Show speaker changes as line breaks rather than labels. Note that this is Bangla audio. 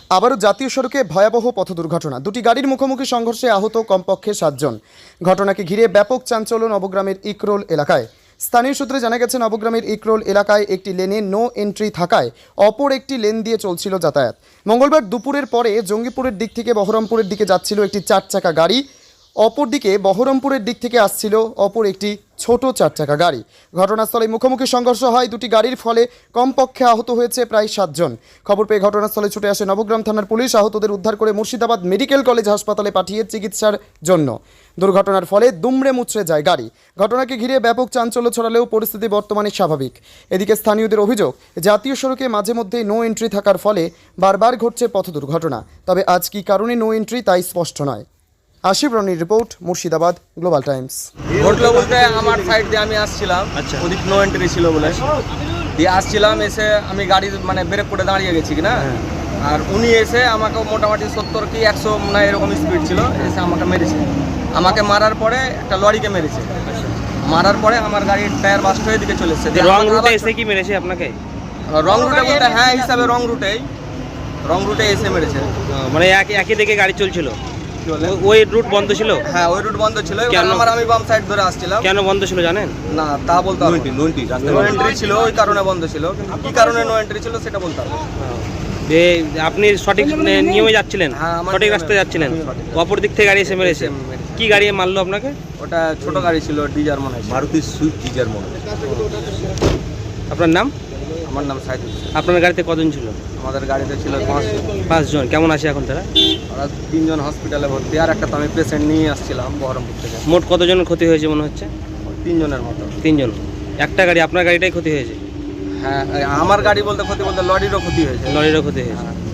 আবারও জাতীয় সড়কে ভয়াবহ পথ দুর্ঘটনা। দুটি গাড়ির মুখোমুখি সংঘর্ষে আহত কমপক্ষে 7 জন। ঘটনাকে ঘিরে ব্যাপক চাঞ্চল্য নবগ্রামের ইকরোল এলাকায়। স্থানীয় সূত্রে জানা গেছে, নবগ্রামের ইকরোল এলাকায় একটি লেনে নো এন্ট্রি থাকায় অপর একটি লেন দিয়ে চলছিল যাতায়াত। মঙ্গলবার দুপুরের পরে জঙ্গিপুরের দিক থেকে বহরমপুরের দিকে যাচ্ছিল একটি 4 চাকা গাড়ি, অপরদিকে বহরমপুরের দিক থেকে আসছিল অপর একটি ছোট 4 চাকা গাড়ি। ঘটনাস্থলে মুখোমুখি সংঘর্ষ হয় দুটি গাড়ির, ফলে কমপক্ষে আহত হয়েছে প্রায় 7 জন। খবর পেয়ে ঘটনাস্থলে ছুটে আসে নবগ্রাম থানার পুলিশ। আহতদের উদ্ধার করে মুর্শিদাবাদ মেডিকেল কলেজ হাসপাতালে পাঠিয়ে চিকিৎসার জন্য। দুর্ঘটনার ফলে দুমড়ে মুচড়ে যায় গাড়ি। ঘটনাকে ঘিরে ব্যাপক চাঞ্চল্য ছড়ালেও পরিস্থিতি বর্তমানে স্বাভাবিক। এদিকে স্থানীয়দের অভিযোগ, জাতীয় সড়কে মাঝে মধ্যেই নো এন্ট্রি থাকার ফলে বারবার ঘটছে পথ দুর্ঘটনা। তবে আজ কী কারণে নো এন্ট্রি তাই স্পষ্ট নয়। আশিফ রনির রিপোর্ট, মুর্শিদাবাদ গ্লোবাল টাইমস।
ঘটলো বলতে আমার সাইড দিয়ে আমি আসছিলাম, ওদিক নো এন্ট্রি ছিল বলে দিয়ে আসছিলাম, এসে আমি গাড়ি মানে ব্রেক করে দাঁড়িয়ে গেছি কিনা, আর উনি এসে আমাকে মোটামুটি 70 কি 100 না এরকম স্পিড ছিল, এসে আমাকে মেরেছে। আমাকে মারার পরে একটা লরিকে মেরেছে। মারার পরে আমার গাড়ির টায়ার বাস্ট হয়ে দিকে চলে এসেছে।
রং রুটে এসে কি মেরেছে আপনাকে?
রং রুটে বলতে হ্যাঁ হিসাবে রং রুটে এসে মেরেছে।
মানে একই দিকে গাড়ি চলছিল, ওই রুট বন্ধ ছিল?
হ্যাঁ, ওই রুট বন্ধ ছিল। আমি বাম সাইড ধরে আসছিলাম।
কেন বন্ধ ছিল জানেন?
না, তা বলতে পারবো না। নো এন্ট্রি ছিল, ওই কারণে বন্ধ ছিল, কিন্তু কি কারণে নো এন্ট্রি ছিল সেটা বলতে পারবো।
আপনি সঠিক নিয়মে যাচ্ছিলেন, সঠিক রাস্তায় যাচ্ছিলেন, অপর দিক থেকে গাড়ি এসে মেরেছে। কি গাড়ি মারলো আপনাকে?
ওটা ছোট গাড়ি ছিল, ডিজার মনে হয়,
মারুতি সুইফট ডিজার মনে হয়।
আপনার নাম?
আমার নাম সাইদুল।
আপনার গাড়িতে কজন ছিল?
আমাদের গাড়িতে ছিল
5 জন। কেমন আছে এখন তারা?
ওরা 3 জন হসপিটালে ভর্তি, আর একটা তো আমি পেশেন্ট নিয়ে আসছিলাম বহরমপুর থেকে।
মোট কতজনের ক্ষতি হয়েছে মনে হচ্ছে?
3 জনের মতো।
3 জন। একটা গাড়ি, আপনার গাড়িটাই ক্ষতি হয়েছে?
হ্যাঁ, আমার গাড়ি বলতে ক্ষতি বলতে লরিরও ক্ষতি হয়েছে।
লরিরও ক্ষতি হয়েছে।